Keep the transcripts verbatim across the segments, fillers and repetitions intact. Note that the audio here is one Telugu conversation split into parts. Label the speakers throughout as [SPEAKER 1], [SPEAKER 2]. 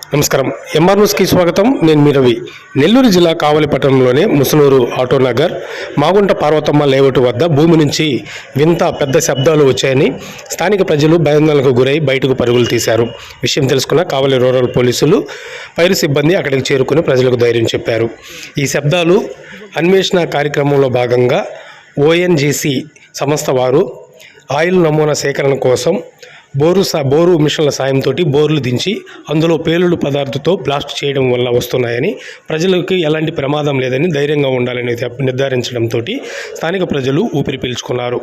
[SPEAKER 1] నమస్కారం. ఎంఆర్ న్యూస్కి స్వాగతం. నేను మీ రవి. నెల్లూరు జిల్లా కావలి పట్టణంలోని ముసునూరు ఆటోనగర్ మాగుంట పార్వతమ్మ లేఅవుట్ వద్ద భూమి నుంచి వింత పెద్ద శబ్దాలు వచ్చాయని స్థానిక ప్రజలు భయాందోళనకు గురై బయటకు పరుగులు తీశారు. విషయం తెలుసుకున్న కావలి రూరల్ పోలీసులు ఫైర్ సిబ్బంది అక్కడికి చేరుకుని ప్రజలకు ధైర్యం చెప్పారు. ఈ శబ్దాలు అన్వేషణ కార్యక్రమంలో భాగంగా ఓఎన్జీసీ సంస్థ వారు ఆయిల్ నమూనా సేకరణ కోసం బోరు సా బోరు మిషన్ల సాయంతో బోర్లు దించి అందులో పేలుడు పదార్థంతో బ్లాస్ట్ చేయడం వల్ల వస్తున్నాయని, ప్రజలకు ఎలాంటి ప్రమాదం లేదని ధైర్యంగా ఉండాలని నిర్ధారించడంతో స్థానిక ప్రజలు ఊపిరి పీల్చుకున్నారు.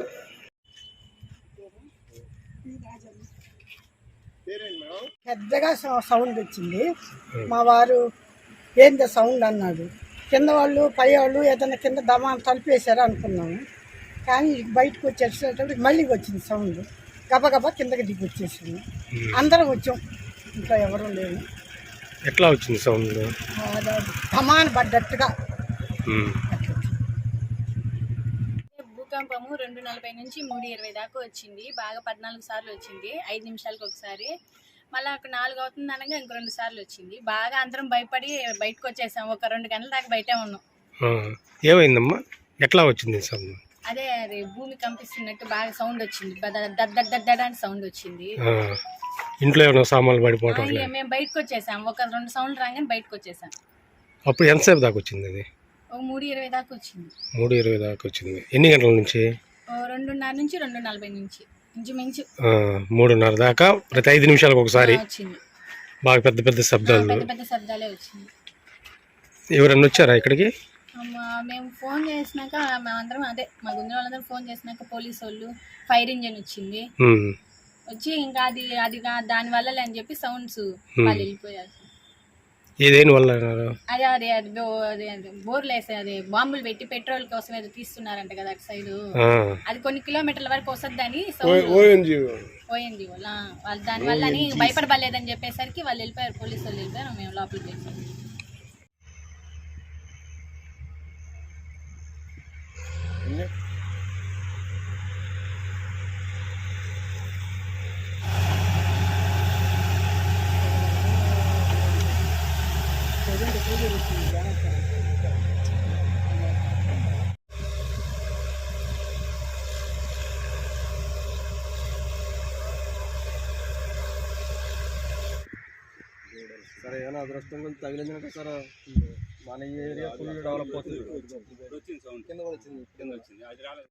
[SPEAKER 2] పెద్దగా సౌండ్ వచ్చింది. మా వారు ఏంది సౌండ్ అన్నాడు. కింద వాళ్ళు పై వాళ్ళు ఏదైనా కింద దమా తలిపేశారు అనుకున్నాము. కానీ బయటకు వచ్చేటప్పటికి మళ్ళీ వచ్చింది సౌండ్. గబగబా కిందకి దిగి వచ్చేసింది. అందరం వచ్చాం, ఇంకా ఎవరు లేవు.
[SPEAKER 1] ఎట్లా వచ్చింది సౌండ్?
[SPEAKER 2] ధమాన్ పడ్డట్టుగా.
[SPEAKER 3] భూకంపము రెండు నలభై నుంచి మూడు ఇరవై దాకా వచ్చింది. బాగా పద్నాలుగు సార్లు వచ్చింది, ఐదు నిమిషాలకు ఒకసారి. మళ్ళీ ఒక నాలుగు అవుతుంది అనగా ఇంకో రెండు సార్లు వచ్చింది. బాగా అందరం భయపడి బయటకు వచ్చేసాం. ఒక రెండు గంటల దాకా బయటే ఉన్నాం.
[SPEAKER 1] ఏమైందమ్మా? ఎట్లా వచ్చింది సౌండ్?
[SPEAKER 3] అదే అదే భూమి కంపిస్తున్నట్టు బాగా సౌండ్ వచ్చింది. దద్దడ అని సౌండ్ వచ్చింది.
[SPEAKER 1] ఇంట్లో ఏమైనా సామాన్లు పడిపోవటం?
[SPEAKER 3] మేము బయటకు వచ్చేసాం. ఒక రెండు సౌండ్ రాగానే బయటకు వచ్చేసాం.
[SPEAKER 1] అప్పుడు ఎంతసేపు దాకా వచ్చింది అది?
[SPEAKER 3] ఒక మూడు ఇరవై దాకా వచ్చింది.
[SPEAKER 1] మూడు ఇరవై దాకా వచ్చింది. ఎన్ని గంటల నుంచి?
[SPEAKER 3] రెండున్నర నుంచి రెండు నలభై నుంచి ఇంచుమించు
[SPEAKER 1] మూడున్నర దాకా ప్రతి ఐదు నిమిషాలకు ఒకసారి
[SPEAKER 3] వచ్చింది.
[SPEAKER 1] బాగా పెద్ద పెద్ద శబ్దాలు
[SPEAKER 3] పెద్ద పెద్ద శబ్దాలే వచ్చింది.
[SPEAKER 1] ఎవరన్నా వచ్చారా ఇక్కడికి?
[SPEAKER 3] మేము ఫోన్ చేసినాక మేమందరం అదే మా గుండె వాళ్ళందరూ ఫోన్ చేసినాక పోలీసు వాళ్ళు ఫైర్ ఇంజిన్ వచ్చింది. వచ్చి ఇంకా అది అది దాని వల్ల అని చెప్పి సౌండ్స్ వాళ్ళు వెళ్ళిపోయారు.
[SPEAKER 1] ఏదేని వల్ల?
[SPEAKER 3] అదే అదే అది బోర్లు వేసే అది బాంబులు పెట్టి పెట్రోల్ కోసం ఏదో తీస్తున్నారంట కదా అటు సైడ్. అది కొన్ని కిలోమీటర్ల వరకు వస్తుందని ఓఎన్జీ వాళ్ళ వాళ్ళు దాని వల్ల అని భయపడబడలేదని చెప్పేసరికి వాళ్ళు వెళ్ళిపోయారు. పోలీసు వాళ్ళు వెళ్ళిపోయారు. మేము లోపలికి వెళ్ళిపోయాం.
[SPEAKER 4] సరే ఏమైనా అదృష్టం కొంచెం తగిలిందంటే సార్ మన ఏరియా ఫుల్ డెవలప్ అవుతుంది. కింద వచ్చింది కింద వచ్చింది కింద వచ్చింది అది రాలేదు.